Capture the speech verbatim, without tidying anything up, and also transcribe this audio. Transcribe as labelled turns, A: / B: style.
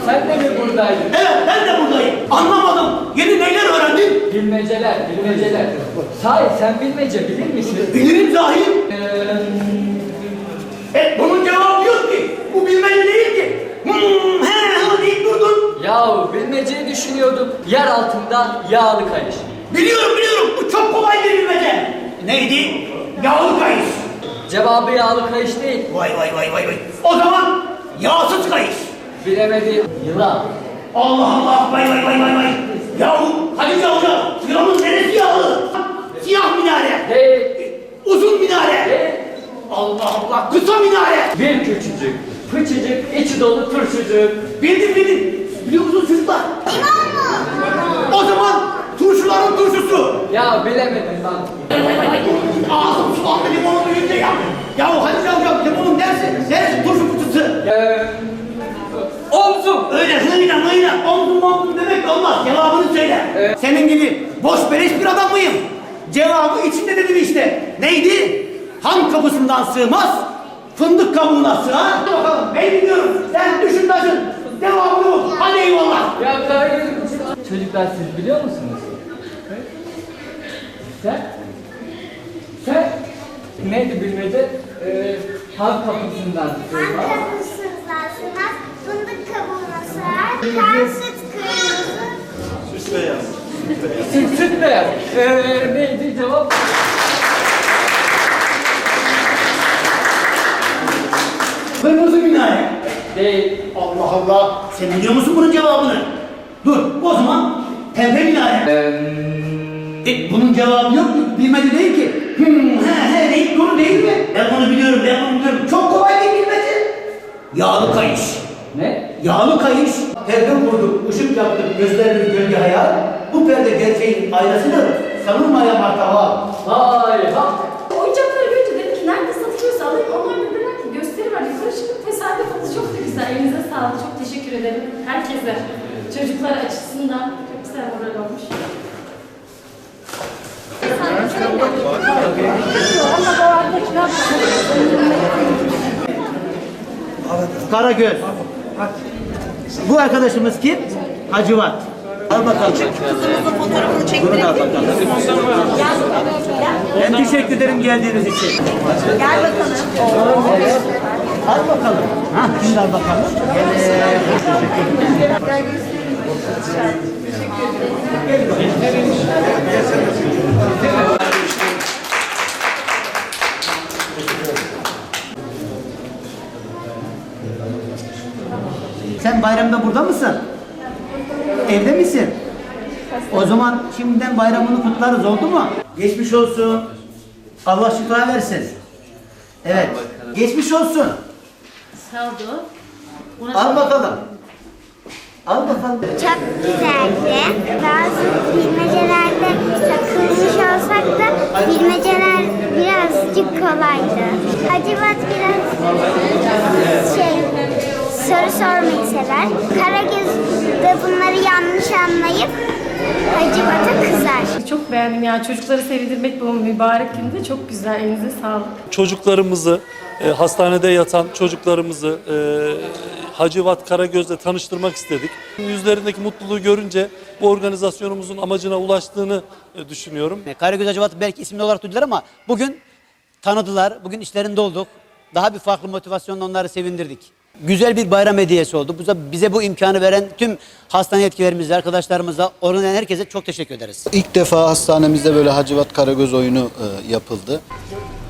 A: sen de mi buradaydın?
B: Evet, ben de buradayım. Anlamadım. Yeni neyler öğrendin?
A: Bilmeceler, bilmeceler. Sahi sen bilmece bilir misin?
B: Bilirim zahim.
A: Ee,
B: E, bunun cevabı yok ki. Bu bilmece değil ki. Hmm, he, he deyip durdun.
A: yahu bilmeceyi düşünüyorduk. Yer altında yağlı kayış.
B: Biliyorum, biliyorum. Bu çok kolay bir bilmece. Neydi? Yağlı kayış.
A: Cevabı yağlı kayış değil.
B: Vay vay vay vay vay. O zaman yağsız kayış.
A: Bilemedim. Yılan.
B: Allah Allah, vay vay vay vay vay. Yahu Hatice Hoca, yılanın neresi yağlı? Siyah minare.
A: Değil.
B: Uzun minare.
A: Değil.
B: Allah Allah, kısa minare.
A: Bir küçücük, fıçıcık, içi dolu turşucuk.
B: Bildim bildim. Biliyor musunuz çocuklar? O zaman turşuların turşusu.
A: Ya bilemedim lan.
B: Ağzım sulandı limonu duyunca ya. Yahu Hatice Hoca, limonun neresi? Neresi turşu kutusu?
A: Ee, omzum.
B: Öyle hıyla mıyla omzum omzum demek olmaz. Cevabını söyle.
A: Evet.
B: Senin gibi boş beleş bir adam mıyım? Cevabı içinde dedim işte. Neydi? Han kapısından sığmaz, fındık kabuğuna sığar. Hadi bakalım, ben biliyorum. Sen düşün taşın. Cevabını bul. Hadi eyvallah.
A: Ya hayır. Çocuklar siz biliyor musunuz? Sen? Sen? Neydi bilmece? Ee, halk kapısından sığmaz.
C: Kapısından sığmaz, fındık kabuğuna sığar, kan süt kırmızı.
D: Süs beyaz.
A: Süt, süt beyaz. Ee, neydi cevap?
B: Kırmızı minare.
A: Değil.
B: Allah Allah. Sen biliyor musun bunun cevabını? Dur, o zaman pembe minare.
A: Ee,
B: E, bunun cevabı yok mu? Bilmece değil ki. Hmm, he he deyip dur değil mi? Ben bunu biliyorum, ben bunu biliyorum. Çok kolay bir bilmece. Yağlı kayış.
A: ne?
B: Yağlı kayış. Perde vurduk, ışık yaptık, gözlerimiz gölge hayal. Bu perde gerçeğin aynasıdır. Sanılmayan martaba.
A: Hay ha.
E: Oyuncakları görünce dedim ki nerede satılıyorsa alayım. Onlar da dediler ki gösteri var. Yukarı çıkıp tesadüf oldu. Çok da güzel. Elinize sağlık. Çok teşekkür ederim. Herkese. Çocuklar açısından çok güzel moral olmuş.
B: Karagöz. Bu arkadaşımız kim? Hacivat. Al bakalım.
F: Fotoğrafını çektirebilir
B: Bunu da al
F: miyim?
B: bakalım. Ben teşekkür ederim geldiğiniz için.
F: Gel bakalım.
B: Evet. Al bakalım. Ha, şimdi al bakalım. Evet. Sen bayramda burada mısın? Evde misin? O zaman şimdiden bayramını kutlarız, oldu mu? Geçmiş olsun. Allah şifa versin. Evet. Geçmiş olsun.
E: Sağ olun.
B: Al bakalım. Al bakalım.
C: Çok güzeldi. Bazı bilmecelerde takılmış olsak da bilmeceler birazcık kolaydı. Hacivat biraz şey, soru sormayı sever. Karagöz de bunları yanlış anlayıp Hacivat'a kızar.
E: Çok beğendim ya. Çocukları sevindirmek bu mübarek günde çok güzel. Elinize sağlık.
D: Çocuklarımızı, e, hastanede yatan çocuklarımızı e, Hacivat Karagöz'le tanıştırmak istedik. Yüzlerindeki mutluluğu görünce bu organizasyonumuzun amacına ulaştığını e, düşünüyorum.
B: Karagöz Hacivat'ı belki isimli olarak duydular ama bugün tanıdılar. Bugün işlerinde olduk. Daha bir farklı motivasyonla onları sevindirdik. Güzel bir bayram hediyesi oldu. Bize bu imkanı veren tüm hastane yetkilerimize, arkadaşlarımıza, organize herkese çok teşekkür ederiz.
G: İlk defa hastanemizde böyle Hacivat Karagöz oyunu e, yapıldı.